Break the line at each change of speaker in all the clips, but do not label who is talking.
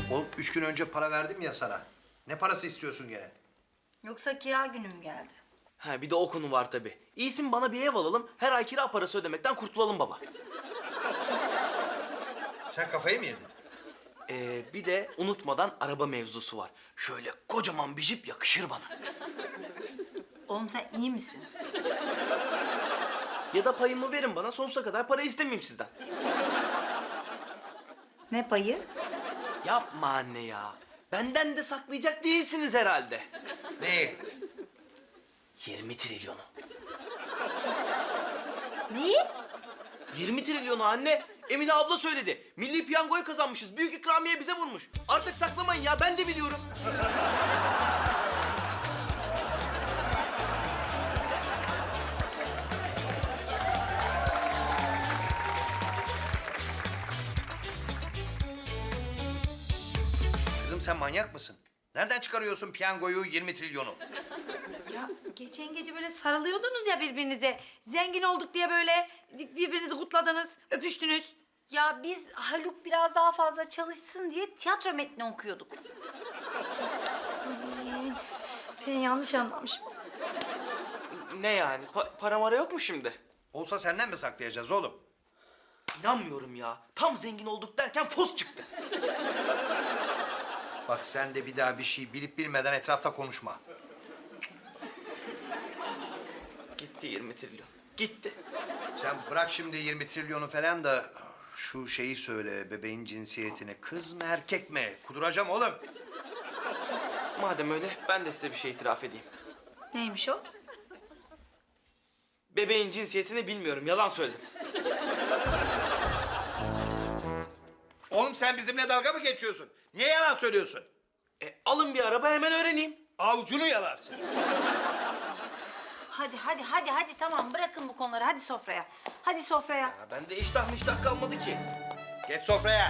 Oğlum 3 gün önce para verdim ya sana. Ne parası istiyorsun gene?
Yoksa kira günü mü geldi?
Ha bir de o konu var tabii. İyisin bana bir ev alalım, her ay kira parası ödemekten kurtulalım baba.
Sen kafayı mı yedin?
Bir de unutmadan araba mevzusu var. Şöyle kocaman bir jip yakışır bana.
Oğlum sen iyi misin?
Ya da payımı verin bana, sonsuza kadar para istemeyeyim sizden.
Ne payı?
Yapma anne ya. Benden de saklayacak değilsiniz herhalde.
Neyi?
20 trilyonu.
Neyi?
20 trilyonu anne. Emine abla söyledi. Milli piyangoyu kazanmışız. Büyük ikramiye bize vurmuş. Artık saklamayın ya, ben de biliyorum.
Kızım sen manyak mısın? Nereden çıkarıyorsun piyangoyu 20 trilyonu?
Ya geçen gece böyle sarılıyordunuz ya birbirinize. Zengin olduk diye böyle birbirinizi kutladınız, öpüştünüz.
Ya biz Haluk biraz daha fazla çalışsın diye tiyatro metni okuyorduk.
Ben yanlış anlamışım.
Ne yani? Para mara yok mu şimdi?
Olsa senden mi saklayacağız oğlum?
İnanmıyorum ya. Tam zengin olduk derken fos çıktı.
Bak sen de bir daha bir şey bilip bilmeden etrafta konuşma.
Gitti 20 trilyon. Gitti.
Sen bırak şimdi 20 trilyonu falan da şu şeyi söyle, bebeğin cinsiyetini. Kız mı erkek mi? Kuduracağım oğlum.
Madem öyle ben de size bir şey itiraf edeyim.
Neymiş o?
Bebeğin cinsiyetini bilmiyorum. Yalan söyledim.
Oğlum sen bizimle dalga mı geçiyorsun? Niye yalan söylüyorsun?
Alın bir araba hemen öğreneyim.
Avucunu yalarsın.
Hadi tamam bırakın bu konuları hadi sofraya. Hadi sofraya.
Ya bende iştah kalmadı ki.
Geç sofraya.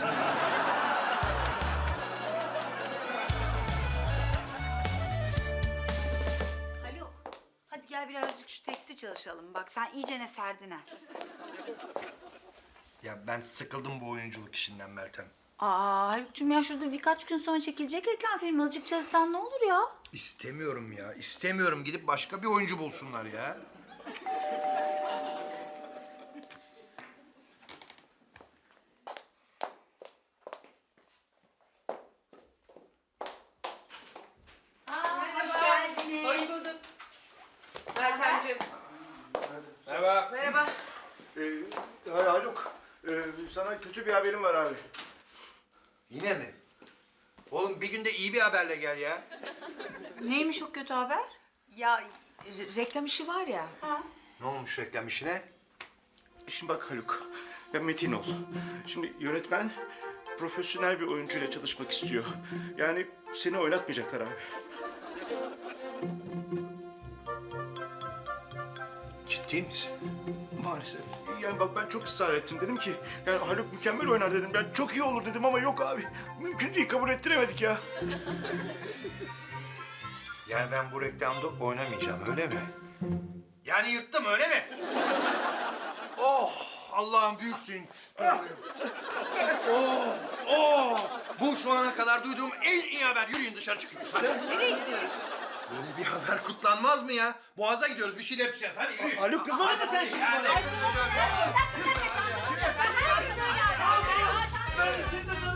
Haluk hadi gel birazcık şu teksti çalışalım. Bak sen iyicene serdin ha.
Ya ben sıkıldım bu oyunculuk işinden Meltem.
Aa Haluk'cum ya şurada birkaç gün sonra çekilecek reklam filmi. Azıcık çalışsan ne olur ya?
İstemiyorum ya, istemiyorum. Gidip başka bir oyuncu bulsunlar ya.
Hoş geldiniz.
Hoş bulduk. Meltemciğim.
Merhaba.
Merhaba.
Haluk, sana kötü bir haberim var abi.
Yine mi? Oğlum bir günde iyi bir haberle gel ya.
Neymiş o kötü haber?
Ya reklam işi var ya.
Ne olmuş reklam işine?
Şimdi bak Haluk, ya Metin ol. Şimdi yönetmen profesyonel bir oyuncuyla çalışmak istiyor. Yani seni oynatmayacaklar abi.
Ciddi misin?
Maalesef. Yani bak ben çok ısrar ettim. Dedim ki yani Haluk mükemmel oynar dedim. Yani çok iyi olur dedim ama yok abi. Mümkün değil, kabul ettiremedik ya.
Yani ben bu reklamda oynamayacağım öyle mi? Yani yırttım öyle mi? Oh Allah'ım büyüksün. Bu şu ana kadar duyduğum en iyi haber. Yürüyün dışarı çıkıyoruz hadi.
Nereye gidiyoruz?
Böyle bir haber kutlanmaz mı ya? Boğaz'a gidiyoruz bir şeyler içeceğiz hadi yürü.
Haluk kızmadın mı sen şimdi?
Yani.
Ben şimdi sana